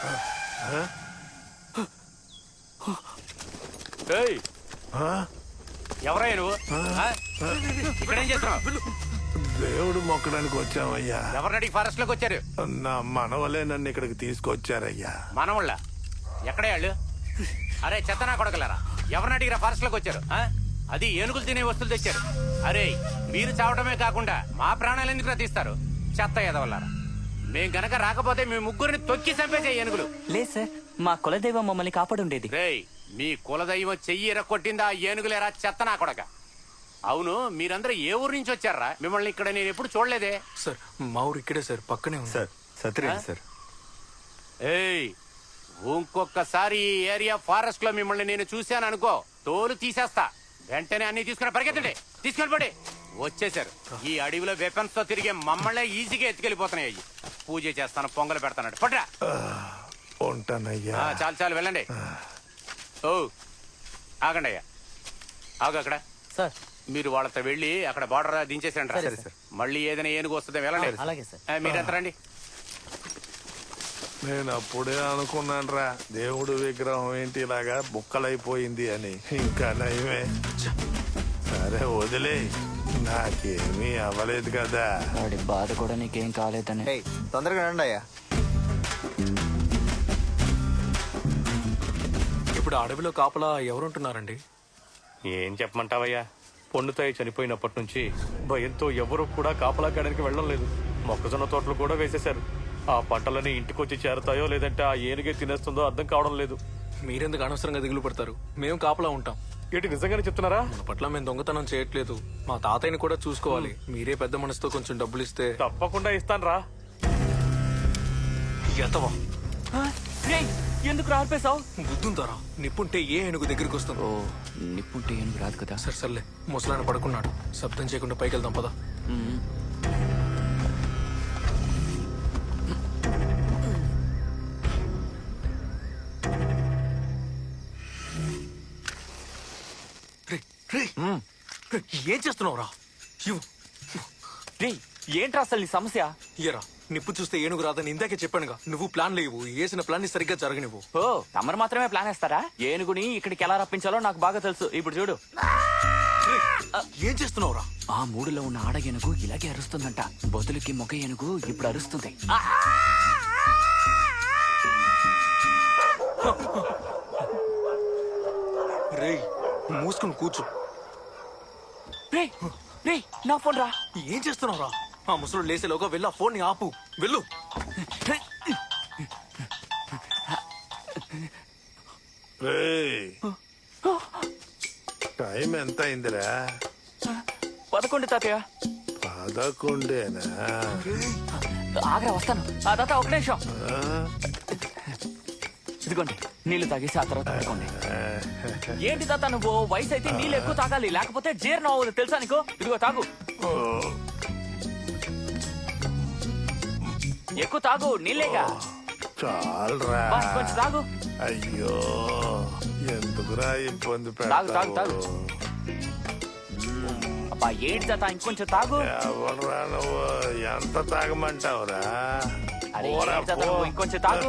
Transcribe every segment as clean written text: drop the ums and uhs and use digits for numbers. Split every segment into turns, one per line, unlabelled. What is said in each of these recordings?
ఎవరయ్యా నువ్వు? ఇక్కడేం చేస్తున్నావు?
దేవుడు మొక్కడానికి వచ్చామయ్యా.
ఎవరినడికి ఫారెస్ట్ లోకి వచ్చారు?
నా మనవలే నన్ను ఇక్కడికి తీసుకొచ్చారయ్యా.
మనవళ్ళ ఎక్కడే వాళ్ళు? అరే చెత్తనా కొడకలరా, ఎవరినడిగిరా ఫారెస్ట్ లోకి వచ్చారు? అది ఏనుగులు తినే వస్తువులు తెచ్చారు. అరే మీరు చావటమే కాకుండా మా ప్రాణాలు ఎందుకు తీస్తారు? చెత్త ఎదవల్లారా. మేం గనక రాకపోతే మీ ముగ్గురిని తొక్కి చంపేసే ఏనుగులు.
లేదు సార్, మా కులదైవం మమ్మల్ని కాపాడుండేది.
రేయ్, మీ కులదైవం చెయ్యి ఎరక్కొట్టిందా ఏనుగులేరా చెత్తనా కొడక? అవును, మీరందరూ ఏ ఊరు నుంచి వచ్చారా? మిమ్మల్ని ఇక్కడ నేను ఎప్పుడు చూడలేదే.
సార్ మా ఊరు ఇక్కడే సార్, పక్కనే ఉంది
సార్. సత్యరేండి సార్.
ఏయ్, ఇంకొకసారి ఈ ఏరియా ఫారెస్ట్ లో మిమ్మల్ని నేను చూశాను అనుకో, తోలు తీసేస్తా. వెంటనే అన్ని తీసుకుని పరిగెత్తండి, తీసుకెళ్ళిపోండి. వచ్చేసారు. ఈ అడవిలో వెపన్స్ తో తిరిగే మమ్మల్ని ఈజీగా ఎత్తుకెళ్ళిపోతున్నాయి. అయ్యి పూజ చేస్తాను, పొంగలు పెడతాను. పట్రా.
ఉంటానయ్యా.
చాలు చాలు వెళ్ళండి. ఓ ఆగండి అయ్యా, ఆగు. అక్కడ
సార్
మీరు వాళ్ళతో వెళ్ళి అక్కడ బార్డర్ దించేసండి.
సరే సార్.
మళ్ళీ ఏదైనా ఏనుగు వస్తుంది, వెళ్ళండి.
అలాగే సార్.
మీరెంత రండి.
నేను అప్పుడే అనుకున్నానురా, దేవుడు విగ్రహం ఏంటి ఇలాగా బుక్కలైపోయింది అని. ఇంకా నయమే. సరే వదిలే, నాకేమీ అవ్వలేదు కదా.
వాడి బాధ కూడా నీకేం కాలేదని.
తొందరగా రండి అయ్యా.
ఇప్పుడు అడవిలో కాపలా ఎవరుంటున్నారండి?
ఏం చెప్పమంటావయ్యా, పొన్నుతాయి చనిపోయినప్పటి నుంచి భయంతో ఎవరు కూడా కాపలా కాయడానికి వెళ్ళడం లేదు. మొక్కజొన్న తోటలు కూడా వేసేశారు. ఆ పంటలని ఇంటికొచ్చి చేరతాయో లేదంటే ఆ ఏనుగే తినేస్తుందో అర్థం కావడం లేదు.
మీరెందుకు అనవసరంగా దిగులు పడతారు? మేము కాపలా ఉంటాం.
ఏంటి నిజంగానే చెప్తున్నారా?
మన పట్ల మేము దొంగతనం చేయట్లేదు. మా తాతయ్యని కూడా చూసుకోవాలి. మీరే పెద్ద మనసుతో కొంచెం డబ్బులు ఇస్తే.
తప్పకుండా ఇస్తాను రా.
ఎంతవా?
ఎందుకు రాల్పేశావు?
బుద్ధుంతారా? నిప్పుంటే ఏ ఏనుగు దగ్గరికి వస్తుంది?
ఓ, నిప్పుంటే ఏనుగు రాదు కదా.
సరే సర్లే, ముసలాయన పడుకున్నాడు. శబ్దం చేయకుండా పైకి వెళ్దాం పదా. ఏం చేస్తున్నావురా?
ఏంట్రా అసలు నీ సమస్య?
ఇయరా, నిప్పు చూస్తే ఏనుగు రాదని ఇందాకే చెప్పానుగా. నువ్వు ప్లాన్ లేవు, వేసిన ప్లాన్ ని సరిగ్గా జరగనివ్వు.
ఓ, తమరు మాత్రమే ప్లాన్ వేస్తారా? ఏనుగుని ఇక్కడికి ఎలా రప్పించాలో నాకు బాగా తెలుసు. ఇప్పుడు చూడు.
ఏం చేస్తున్నావురా?
ఆ మూడులో ఉన్న ఆడ ఏనుగు ఇలాగే అరుస్తుందంట. బొతులకి మొగ ఏనుగు ఇప్పుడు అరుస్తుంది.
రేయ్, మూసుకుని కూర్చో.
నా ఫోన్ రా.
ఏం చేస్తున్నావురా? ఆ ముసలు లేసేలోగా వెళ్ళి ఆ ఫోన్ ని ఆపు. వెళ్ళు.
టైం ఎంత అయిందిరా?
11 తాతయ్య.
11
ఆగ్రా వస్తాను. తాత ఒక నిమిషం. ఇదిగోండి, నీళ్లు తాగేసి ఆ తర్వాత పడుకోండి. ఏంటి తాత నువ్వు? వయసు అయితే నీళ్ళు ఎక్కువ తాగాలి, లేకపోతే జీర్ణం అవ్వదు తెలుసా నీకు? ఇదిగో తాగు, ఎక్కువ తాగు. నీళ్ళేగా,
చాలరా.
కొంచెం తాగు.
అయ్యో, ఎందుకురా ఇబ్బంది
తాగు తాగు తాగు.
పెడతావు?
అబ్బా ఏంటి తాత, ఇంకొంచెం తాగు.
ఎవర్రా నువ్వు? ఎంత తాగమంటావురా?
అరే ఏంటి తాత నువ్వు? ఇంకొంచెం తాగు.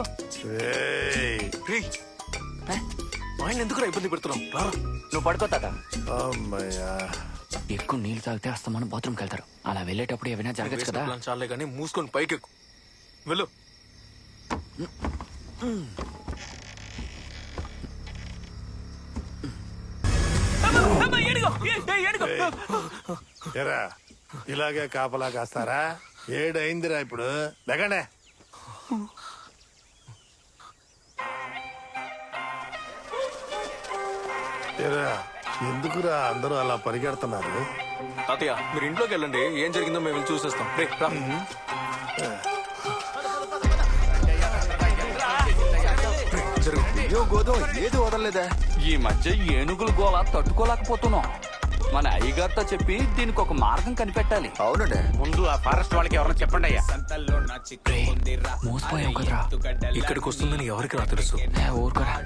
ఆయన ఎందుకురా ఇబ్బంది పెడుతున్నావు? రారా.
నువ్వు పడుకో తాత.
అమ్మయ్యా,
ఎక్కువ నీళ్ళు తాగితే అస్తమానం బాత్రూమ్కి వెళ్తారు. అలా వెళ్ళేటప్పుడు ఏమైనా జరగచ్చు కదా.
ప్లాన్ చాలే కానీ మూసుకొని పైకెక్కు. వెళ్ళు.
ఎరా ఇలాగే కాపలా కాస్తారా? 7 అయిందిరా ఇప్పుడు. లేకండే. ఎరా, ఎందుకురా అందరూ అలా పరిగెడుతున్నారు?
తాతయ్య, మీరు ఇంట్లోకి వెళ్ళండి. ఏం జరిగిందో మేము వెళ్ళి చూసేస్తాం. రే రా.
ఏది వదలలేదా?
ఈ మధ్య ఏనుగుల గోళ తట్టుకోలేకపోతున్నాం. మన అయ్యగారితో చెప్పి దీనికి ఒక మార్గం కనిపెట్టాలి.
అవునండి.
ముందు ఆ ఫారెస్ట్ వాళ్ళకి ఎవరైనా చెప్పండి అయ్యా.
మోసపోయాం కదరా.
ఇక్కడికి వస్తుందని ఎవరికి నా తెలుసు.
ఊరుకోరా.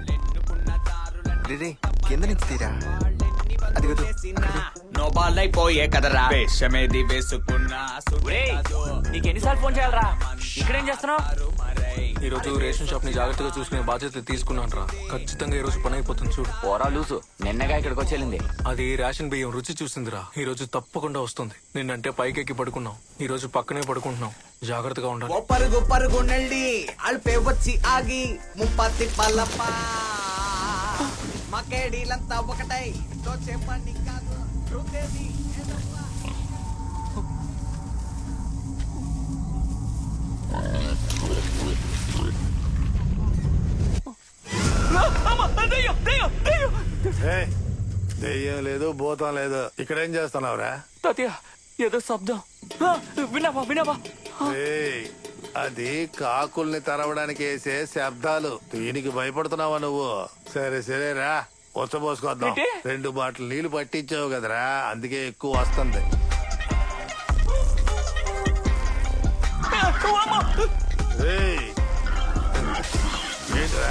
కింద నుంచి తీరా. అది
నోబాలైపోయే కదరా వేషమేది వేసుకున్నా.
నీకు ఎన్నిసార్లు ఫోన్ చేయాలరా? ఇక్కడేం చేస్తున్నావు?
ఈ రోజు రేషన్ షాప్ ని జాగ్రత్తగా చూసుకునే బాధ్యత తీసుకున్నాను రా. ఖచ్చితంగా ఈ రోజు పని అయిపోతుంది చూడు.
పోరా లూసు నిన్నగా ఇక్కడికి వచ్చేళ్ళింది.
అది రేషన్ బియ్యం రుచి చూసిందిరా. ఈ రోజు తప్పకుండా వస్తుంది. నిన్నంటే పైకెక్కి పడుకున్నాం, ఈ రోజు పక్కనే పడుకుంటున్నాం. జాగ్రత్తగా ఉండాలి.
ఓ పరుగు పరుగు నెల్లి అల్పే వచ్చి ఆగి ముప్పత్తి పల్లప్ప మకేడీలంతా ఒకటై దోచే పని కాదు రుద్దేది ఏదప్ప.
ఏయ్, దెయ్యం లేదు భూతం లేదు, ఇక్కడేం చేస్తున్నావురా?
తాతయ్య ఏదో శబ్దం. విన్నావా విన్నావా?
ఏయ్, అది కాకుల్ని తరవడానికి వేసే శబ్దాలు. దీనికి భయపడుతున్నావా నువ్వు? సరే సరేరా, ఉచ్చబోసుకొద్దాం.
ఏంటి?
2 బాటిల్ నీళ్లు పట్టించావు కదరా, అందుకే ఎక్కువ వస్తుంది. ఏయ్, ఏంట్రా?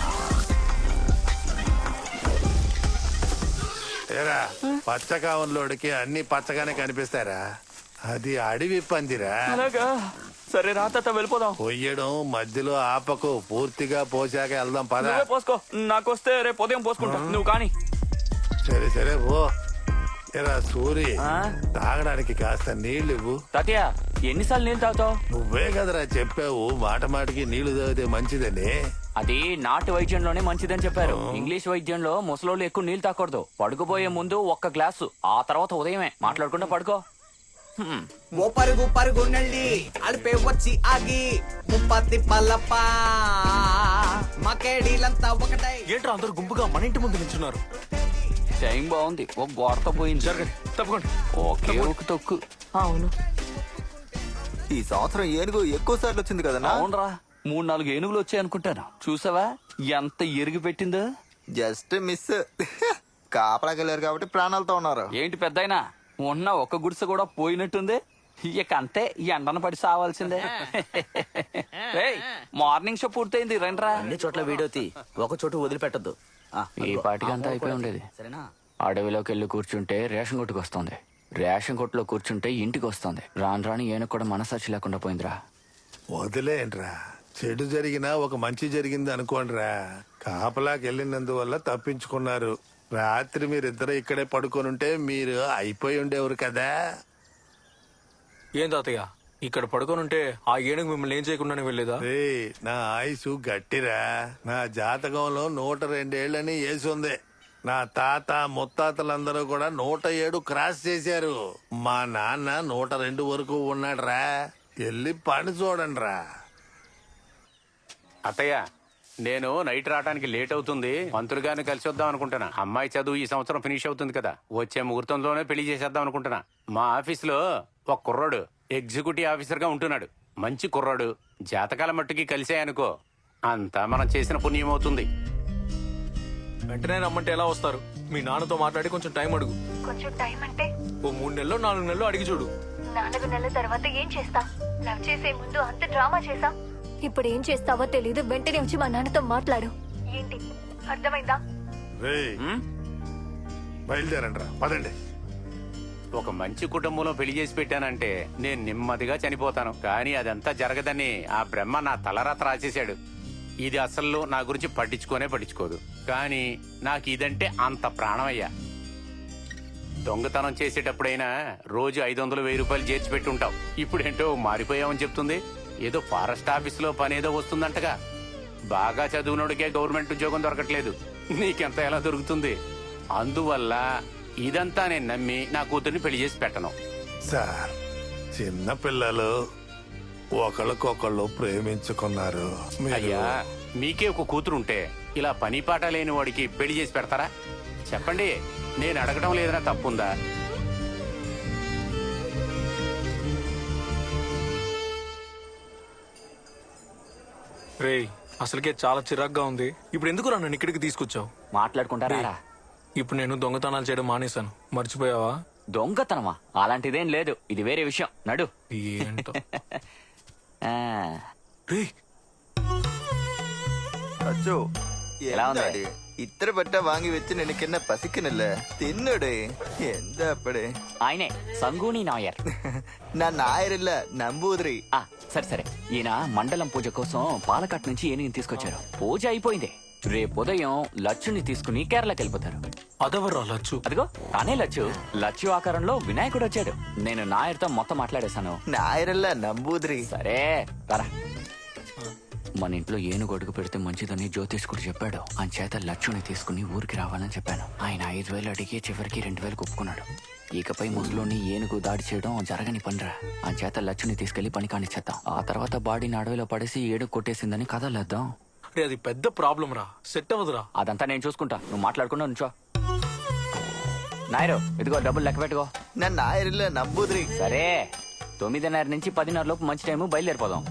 ఏరా, పచ్చకావంలోడికి అన్ని పచ్చగానే కనిపిస్తారా? అది అడవి పందిరా.
అలాగా సరే రా తాత వెళ్ళిపోదాం.
పొయ్యడం మధ్యలో ఆపకు, పూర్తిగా పోసాక వెళ్దాం పద.
నువ్వే పోసుకో, నాకొస్తే రేపు ఉదయం పోసుకుంటా. నువ్వు కానీ
సరే సరే పో. ఎరా సూరి,
ఆ?
తాగడానికి కాస్త నీళ్లు ఇవ్వు.
తాతయ్య ఎన్నిసార్లు నీళ్ళు తాగుతావు?
నువ్వే కదరా చెప్పావు మాట మాటికి నీళ్లు తాగితే మంచిదని.
అది నాటు వైద్యంలోనే మంచిదని చెప్పారు. ఇంగ్లీష్ వైద్యంలో ముసలోళ్ళు ఎక్కువ నీళ్లు తాకూడదు. పడుకోబోయే ముందు 1 గ్లాసు, ఆ తర్వాత ఉదయమే మాట్లాడకుండా పడుకో.
ఓ పరుగు పరుగు నెల్లి అల్పే వచ్చి ఆగి ముప్పత్తి పల్లప్ప మకేడీలంతా ఒకటై.
ఏంట్రా అందరు గుంపుగా మన ఇంటి ముందు నిల్చున్నారు?
టైం బాగుంది, ఒక గోడతో పోయింది.
జరగండి, తప్పకుండా.
ఓకే ఒక తొక్కు. అవును
ఈ సంవత్సరం ఏనుగు ఎక్కువ సార్లు వచ్చింది కదన్నా?
అవునరా, 3-4 ఏనుగులు వచ్చాయి అనుకుంటాను. చూసావా ఎంత ఎరుగు పెట్టిందో?
Just miss. కాపలాకెళ్ళారు కాబట్టి ప్రాణాలతో ఉన్నారు.
ఏంటి పెద్దయినా, ఉన్న ఒక గుడిసె కూడా పోయినట్టుంది. ఇక అంతే, ఎండన పడి సావాల్సిందే. ఏయ్, మార్నింగ్ షో పూర్తయింది, రండ్రా.
అన్ని చోట్ల వీడియో తీ, ఒక చోటు వదిలిపెట్టద్దు.
ఈ పాటికి అంతా అయిపోయి ఉండేది.
సరేనా?
అడవిలోకి వెళ్ళి కూర్చుంటే రేషన్ కొట్టుకు వస్తుంది, రేషన్ కొట్టులో కూర్చుంటే ఇంటికి వస్తుంది. రాను రాని ఏనుగు కూడా మనసాక్షి లేకుండా పోయిందిరా.
వదిలేంట్రా, చెడు జరిగినా ఒక మంచి జరిగింది అనుకోండిరా. కాపలాకి వెళ్ళినందువల్ల తప్పించుకున్నారు. రాత్రి మీరిద్దరు ఇక్కడే పడుకొనుంటే మీరు అయిపోయి ఉండేవారు కదా.
ఏం తాతయ్య, ఇక్కడ పడుకోనుంటే ఆ ఏనుగు మిమ్మల్ని ఏం చేయకుండానే వెళ్ళేదా?
రే, నా ఆయుసు గట్టిరా. నా జాతకంలో 102 ఏళ్ళని వేసుంది. నా తాత ముత్తాతలందరూ కూడా 107 క్రాస్ చేశారు. మా నాన్న 102 వరకు ఉన్నాడురా. వెళ్ళి పని చూడండి రా.
అత్తయ్య, నేను నైట్ రావడానికి లేట్ అవుతుంది. మంత్రులు గారిని కలిసి వద్దాం అనుకుంటున్నా. అమ్మాయి చదువు ఈ సంవత్సరం ఫినిష్ అవుతుంది కదా, వచ్చే ముహూర్తంలోనే పెళ్లి చేసేద్దాం అనుకుంటున్నా. మా ఆఫీసులో ఒక కుర్రాడు ఎగ్జిక్యూటివ్ ఆఫీసర్ గా ఉంటున్నాడు. మంచి కుర్రాడు. జాతకాల మట్టుకి కలిసాయనుకో, అంతా మనం చేసిన పుణ్యం అవుతుంది.
వెంటనే రమ్మంటే ఎలా వస్తారు? మీ నాన్నతో మాట్లాడి కొంచెం టైం అడుగు.
కొంచెం టైం అంటే
ఓ 3 నెలలో 4 నెలలు అడిగి చూడు.
4 నెలల తర్వాత ఏం చేస్తా? లవ్ చేసే ముందు అంత డ్రామా చేసా. ఇప్పుడు ఏం చేస్తావో తెలీదు. వెంటనే వచ్చి మా నాన్నతో మాట్లాడు. ఏంటి అర్థమైందా?
రే, బయలుదేరండి రా, పదండి.
ఒక మంచి కుటుంబంలో పెళ్లి చేసి పెట్టానంటే నేను నెమ్మదిగా చనిపోతాను. కానీ అదంతా జరగదని ఆ బ్రహ్మ నా తలరాత రాసేశాడు. ఇది అసలు నా గురించి పట్టించుకోదు. కానీ నాకు ఇదంటే అంత ప్రాణమయ్యా. దొంగతనం చేసేటప్పుడైనా రోజు 500-1000 రూపాయలు చేర్చి పెట్టి ఉంటావు. ఇప్పుడేంటో మారిపోయావని చెప్తుంది. ఏదో ఫారెస్ట్ ఆఫీసులో పనేదో వస్తుందంటగా. బాగా చదువునోడికే గవర్నమెంట్ ఉద్యోగం దొరకట్లేదు, నీకెంత ఎలా దొరుకుతుంది? అందువల్ల ఇదంతా నేను నమ్మి నా కూతుర్ని పెళ్లి చేసి పెట్టను.
సార్, చిన్న పిల్లలు ఒకళ్ళకొకళ్ళు ప్రేమించుకున్నారు.
అయ్యా, మీకే ఒక కూతురుంటే ఇలా పని పాట లేని వాడికి పెళ్లి చేసి పెడతారా? చెప్పండి, నేను అడగడం లేదన్నా తప్పుందా?
రేయ్, అసలుకే చాలా చిరాగ్గా ఉంది. ఇప్పుడు ఎందుకు నన్ను ఇక్కడికి తీసుకొచ్చావు?
మాట్లాడుకుంటారా?
ఇప్పుడు నేను దొంగతనాలు చేయడం మానేశాను, మర్చిపోయావా?
దొంగతనమా? అలాంటిదేం లేదు, ఇది వేరే విషయం. నడు.
ఏంటో.
ఆ,
రేయ్,
அச்சோ,
எல்லாம் வந்து-
என்னடி இத்தனை பட்டா வாங்கி வச்சு நினைக்க என்ன பசிக்கணும்ல, தின்னுடு. எந்த அப்படி
ఆయనే సంగూని నాయర్.
நான் நாயர் இல்ல, நம்பூதிரி.
సరే సరే ఈయన మండలం పూజ కోసం పాలకాట్ నుంచి ఏనుగుని తీసుకొచ్చారు. పూజ అయిపోయింది. రేపు ఉదయం లచ్చుని తీసుకుని కేరళకి వెళ్ళిపోతారు.
అదెవర్రా లచ్చు?
అదిగో తానే లచ్చు. లచ్చు ఆకారంలో వినాయకుడు వచ్చాడు. నేను నాయర్తో మొత్తం మాట్లాడేశాను.
నాయరల్ల నంబూద్రి.
సరే పరా. మన ఇంట్లో ఏనుగు అడుగు పెడితే మంచిదని జ్యోతిష్కుడు చెప్పాడు. చేత లచ్చుని తీసుకుని ఊరికి రావాలని చెప్పాను. ఆయన 5,000 అడిగి చివరికి 2,000 ఒప్పుకున్నాడు. ఇకపై ముసలోని ఏనుగు దాడి చేయడం జరగని పనిరా. చేత లచ్చుని తీసుకెళ్లి పని కానిచ్చేద్దాం. ఆ తర్వాత బాడీని అడవిలో పడేసి ఏడుగు కొట్టేసిందని కథలేద్దాం.
రే అది పెద్ద ప్రాబ్లం రా, సెట్ అవ్వదురా.
అదంతా నేను చూసుకుంటా, నువ్వు మాట్లాడుకున్నా నుంచో. నాయరు ఇదిగో డబ్బులు లెక్క పెట్టుకో.
నా నాయరల్ల నంబూద్రి.
సరే 9:30 నుంచి 10:30 లోపు మంచి టైము, బయలుదేరిపోదాం.